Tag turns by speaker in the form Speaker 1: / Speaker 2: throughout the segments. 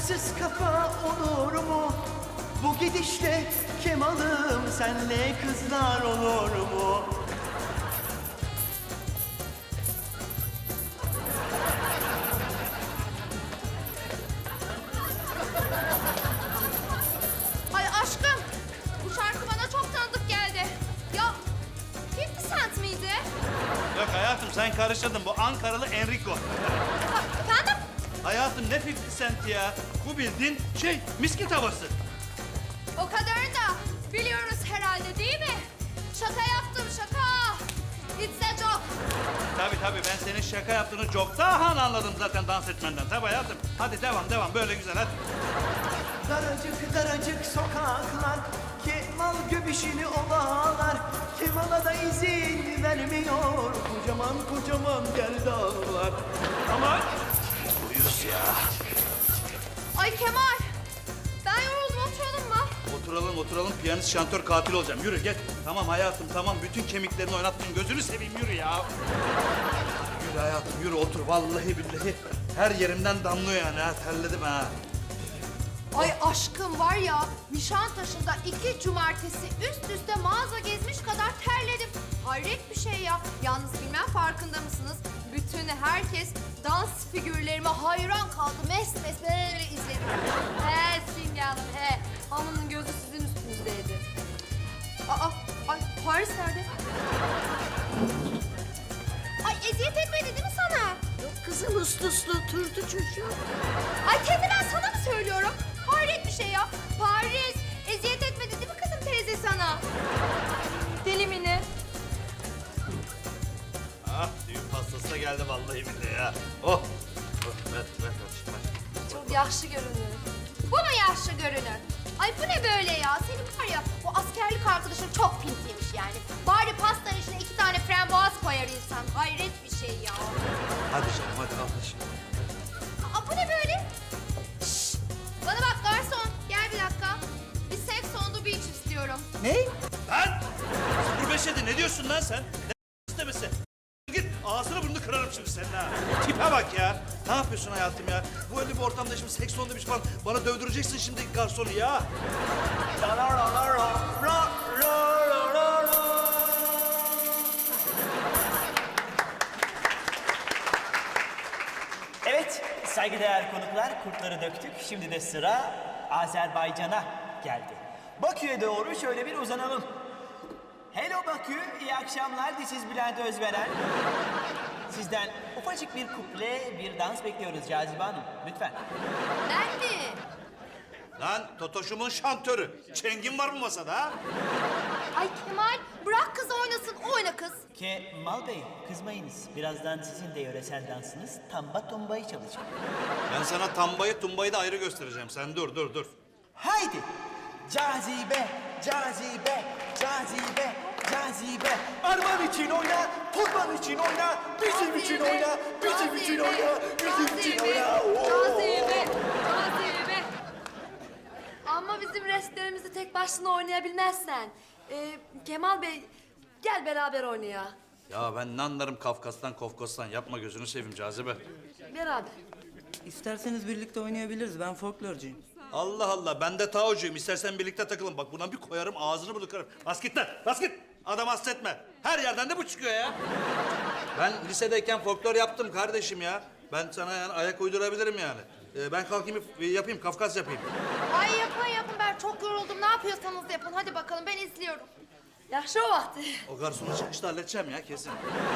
Speaker 1: Taşsız kafa olur mu? Bu gidişle Kemal'ım senle kızlar olur mu?
Speaker 2: Ay aşkım, bu şarkı bana çok tanıdık geldi. Ya, 50 Cent miydi?
Speaker 3: Yok hayatım sen karıştırdın. Bu Ankaralı Enrico.
Speaker 2: Efendim?
Speaker 3: Hayatım ne 50 Cent ya? Bu bildiğin misket havası.
Speaker 2: O kadarını da biliyoruz herhalde değil mi? Şaka yaptım, şaka. It's a joke.
Speaker 3: Tabii ben senin şaka yaptığını çoktan anladım zaten dans etmenden. Tabii hayatım. Hadi devam böyle güzel hadi.
Speaker 1: Daracık sokaklar, Kemal göbüşünü ovalar. Kemal'a da izin vermiyor, kocaman gerdanlar. Aman! Uyuz ya.
Speaker 2: Ay Kemal, ben yoruldum, oturalım mı?
Speaker 3: Oturalım. Piyanist şantör katil olacağım. Yürü gel. Tamam hayatım tamam. Bütün kemiklerini oynattın. Gözünü seveyim yürü ya. Yürü hayatım yürü otur. Vallahi billahi her yerimden damlıyor yani ha. Terledim ha.
Speaker 2: Ay aşkım var ya, Nişantaşı'nda 2 cumartesi üst üste mağaza gezmiş kadar terledim. Hayret bir şey ya. Yalnız bilmem farkında mısınız? Bütün herkes dans figürlerime hayran kaldı. Mes böyle izledi. He Simge Hanım he. Hanımın gözü sizin üstünüzdeydi. Ay Paris nerede? Ay eziyet etmedi değil mi sana?
Speaker 4: Yok kızım uslu oturdu çocuğu.
Speaker 2: Ay kendi ben sana mı söylüyorum? Hayret bir şey ya. Paris eziyet etmedi değil mi kızım teyze sana? Deli mi ne?
Speaker 3: Ah düğün pastası da geldi vallahi billahi ya. Oh. Ver kardeşim ver.
Speaker 2: Çok yaşlı görünür. Bu mu yaşlı görünür? Ay bu ne böyle ya? Senin var ya o askerlik arkadaşın çok pintiymiş yani. Bari pastanın içine 2 tane frambuaz koyar insan. Hayret bir şey ya.
Speaker 3: Hadi canım hadi al şimdi.
Speaker 2: Aa bu ne böyle? Şşş! Bana bak garson. Gel bir dakika. Bir sex on the beach istiyorum.
Speaker 1: Ne?
Speaker 3: Lan! 05'e ne diyorsun lan sen? Ne istemesi? Git ağzını burnunu kırarım şimdi senin ha. Tipe bak ya. Ne yapıyorsun hayatım ya? Bu öyle bir ortamda şimdi seks sonunda bir şey falan bana dövdüreceksin şimdi garsonu ya.
Speaker 5: Evet, saygıdeğer konuklar, kurtları döktük. Şimdi de sıra Azerbaycan'a geldi. Bakü'ye doğru şöyle bir uzanalım. Hello Bakü, iyi akşamlar. This is Bülent Özveren. Sizden ufacık bir kuple, bir dans bekliyoruz Cazibe Hanım. Lütfen.
Speaker 2: Ben mi?
Speaker 3: Lan Totoş'umun şantörü. Çengin var mı masada ha?
Speaker 2: Ay Kemal bırak kız oynasın. Oyna kız.
Speaker 5: Kemal Bey, kızmayınız. Birazdan sizin de yöresel dansınız tamba tombayı çalacak.
Speaker 3: Ben sana tambayı tumbayı da ayrı göstereceğim. Sen dur.
Speaker 5: Haydi! Cazibe, cazibe, cazibe, cazibe. Arman için oyna, kurban için oyna, bizim için oyna, bizim için oyna, bizim için oyna.
Speaker 2: Cazibe, cazibe. Ama bizim restlerimizi tek başına oynayabilmezsen. Kemal Bey gel beraber oynaya.
Speaker 3: Ya ben ne anlarım Kafkas'tan Kofkos'tan. Yapma gözünü seveyim Cazibe.
Speaker 2: Beraber.
Speaker 6: İsterseniz birlikte oynayabiliriz. Ben folklorcuyum.
Speaker 3: Allah Allah ben de taocuyum. İstersen birlikte takılın. Bak buna bir koyarım ağzını bunu kırarım. Bas git lan bas git. Adam hasretme. Her yerden de bu çıkıyor ya. Ben lisedeyken folklor yaptım kardeşim ya. Ben sana yani ayak uydurabilirim yani. Ben kalkayım yapayım Kafkas yapayım.
Speaker 2: Ay yapın ben çok yoruldum. Ne yapıyorsanız yapın. Hadi bakalım ben izliyorum. Yaxşı o vakti.
Speaker 3: O garsonu çıkışta halledeceğim ya kesin.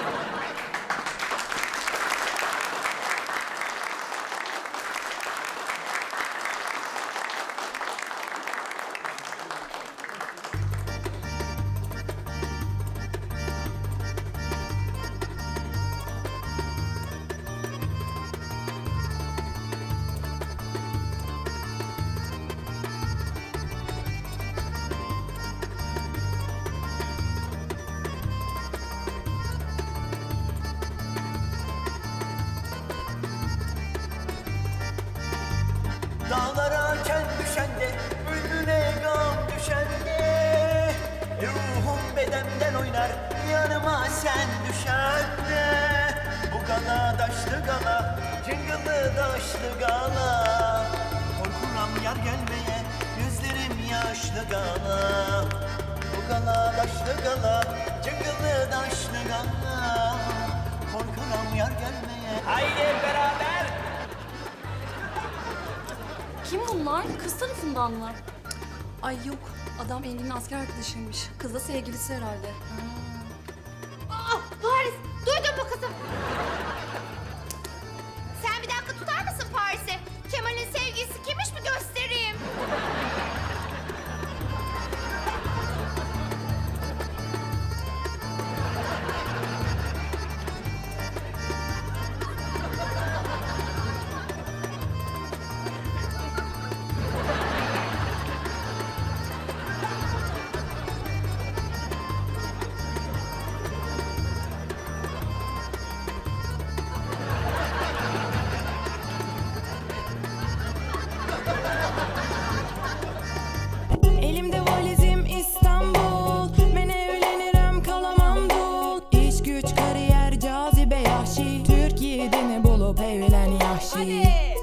Speaker 1: Dağlara ken düşen de, önüne gam düşen de. Ruhum bedenden oynar, yanıma sen düşen de. Bu gala daşlı gala, cıngılı daşlı gala. Korkaram yar gelmeye, gözlerim yaşlı gala. Bu gala daşlı gala, cıngıllı daşlı gala. Korkaram yar gelmeye.
Speaker 5: Haydi hep beraber.
Speaker 7: Kim bunlar? Kız tarafından mı? Ay yok. Adam Engin'in asker arkadaşıymış. Kız da sevgilisi herhalde.
Speaker 2: Aa, Paris, duydun mu kızım? Sen bir dakika tutar mısın Paris'i? Kemal'in sevgilisi kimmiş mi göstereyim?
Speaker 8: Elimde valizim İstanbul. Ben evlenirim kalamam dul. İş güç kariyer cazibe yahşi. Türkiye'de mi bulup evlen yahşi.